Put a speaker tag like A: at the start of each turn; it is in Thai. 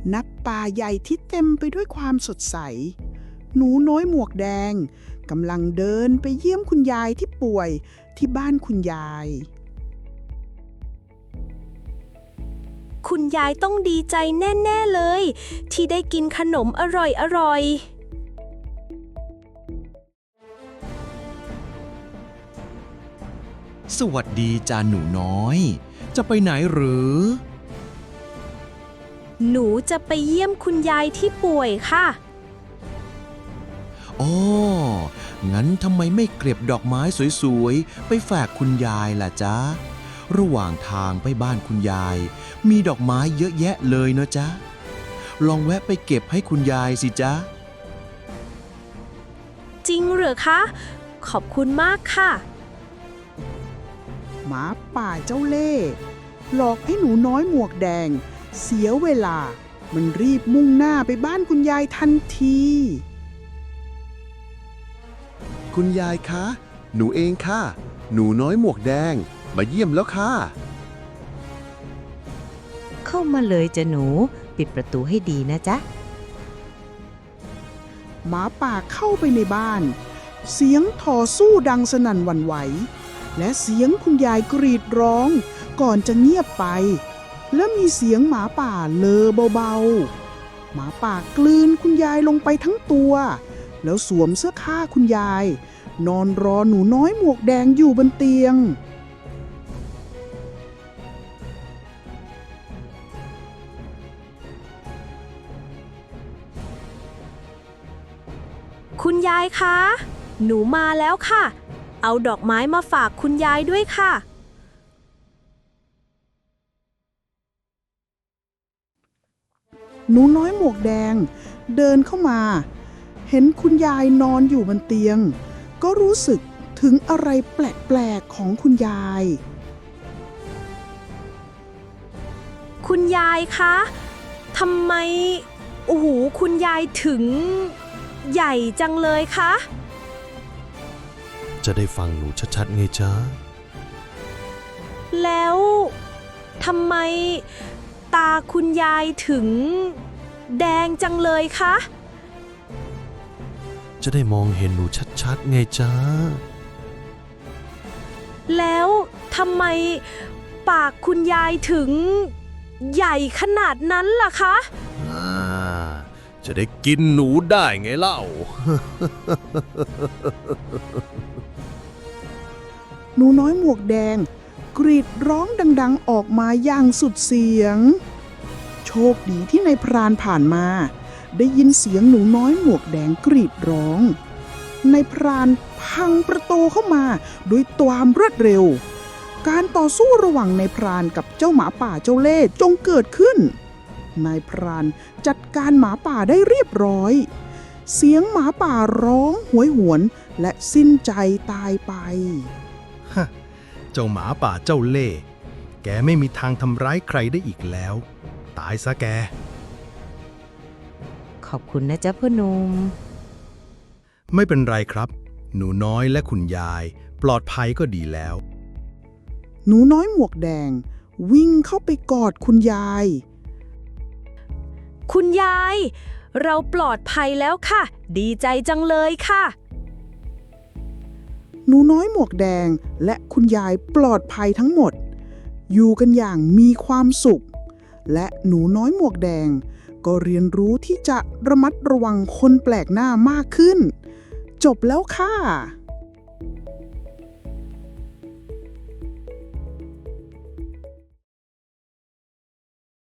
A: นักป่าใหญ่ที่เต็มไปด้วยความสดใสหนูน้อยหมวกแดงกำลังเดินไปเยี่ยมคุณยายที่ป่วยที่บ้านคุณยาย
B: คุณยายต้องดีใจแน่ๆเลยที่ได้กินขนมอร่อย
C: สวัสดีจ้าหนูน้อย จะไปไหนหรือ
B: หนูจะไปเยี่ยมคุณยายที่ป่วยค่ะ
C: อ๋อ งั้นทำไมไม่เก็บดอกไม้สวยๆ ไปฝากคุณยายล่ะจ๊ะ ระหว่างทางไปบ้านคุณยาย มีดอกไม้เยอะแยะเลยเนอะจ๊ะ ลองแวะไปเก็บให้คุณยายสิจ๊ะ
B: จริงเหรอคะ ขอบคุณมากค่ะ
A: หมาป่าเจ้าเล่ห์หลอกให้หนูน้อยหมวกแดงเสียเวลามันรีบมุ่งหน้าไปบ้านคุณยายทันที
D: คุณยายคะ หนูเองค่ะ หนูน้อยหมวกแดง มาเยี่ยมแล้วค่ะ
E: เข้ามาเลยจ้ะหนูปิดประตูให้ดีนะจ๊ะ
A: หมาป่าเข้าไปในบ้าน เสียงต่อสู้ดังสนั่นหวั่นไหวและเสียงคุณยายกรีดร้องก่อนจะเงียบไป และมีเสียงหมาป่าเลอเบาๆหมาป่ากลืนคุณยายลงไปทั้งตัวแล้วสวมเสื้อผ้าคุณยายนอนรอหนูน้อยหมวกแดงอยู่บนเตียง
B: คุณยายคะ หนูมาแล้วค่ะ เอาดอกไม้มาฝากคุณยายด้วยค่ะ
A: หนูน้อยหมวกแดงเดินเข้ามา เห็นคุณยายนอนอยู่บนเตียง ก็รู้สึกถึงอะไรแปลกๆของคุณยาย
B: คุณยายคะทำไมโอ้โหคุณยายถึงใหญ่จังเลยคะ
F: จะได้ฟังหนูชัดๆไงจ๊ะ
B: แล้วทำไมตาคุณยายถึงแดงจังเลยคะ
F: จะได้มองเห็นหนูชัดๆไงจ๊ะ
B: แล้วทำไมปากคุณยายถึงใหญ่ขนาดนั้นล่ะคะ
F: จะได้กินหนูได้ไงเล่า
A: หนูน้อยหมวกแดงกรีดร้องดังๆออกมาอย่างสุดเสียง โชคดีที่นายพรานผ่านมาได้ยินเสียงหนูน้อยหมวกแดงกรีดร้องนายพรานพังประตูเข้ามาด้วยความรวดเร็ว การต่อสู้ระหว่างนายพรานกับเจ้าหมาป่าเจ้าเล่ห์จงเกิดขึ้นนายพรานจัดการหมาป่าได้เรียบร้อยเสียงหมาป่าร้องโหยหวนและสิ้นใจตายไป
G: เจ้าหมาป่าเจ้าเล่ห์แกไม่มีทางทำร้ายใครได้อีกแล้ว ตายซะแก
E: ขอบคุณนะจ๊ะพ่อหนุ่ม
G: ไม่เป็นไรครับ หนูน้อยและคุณยายปลอดภัยก็ดีแล้ว
A: หนูน้อยหมวกแดงวิ่งเข้าไปกอดคุณยาย
B: คุณยาย เราปลอดภัยแล้วค่ะ ดีใจจังเลยค่ะ
A: หนูน้อยหมวกแดงและคุณยายปลอดภัยทั้งหมด อยู่กันอย่างมีความสุข และหนูน้อยหมวกแดงก็เรียนรู้ที่จะระมัดระวังคนแปลกหน้ามากขึ้น จบแล้วค่ะ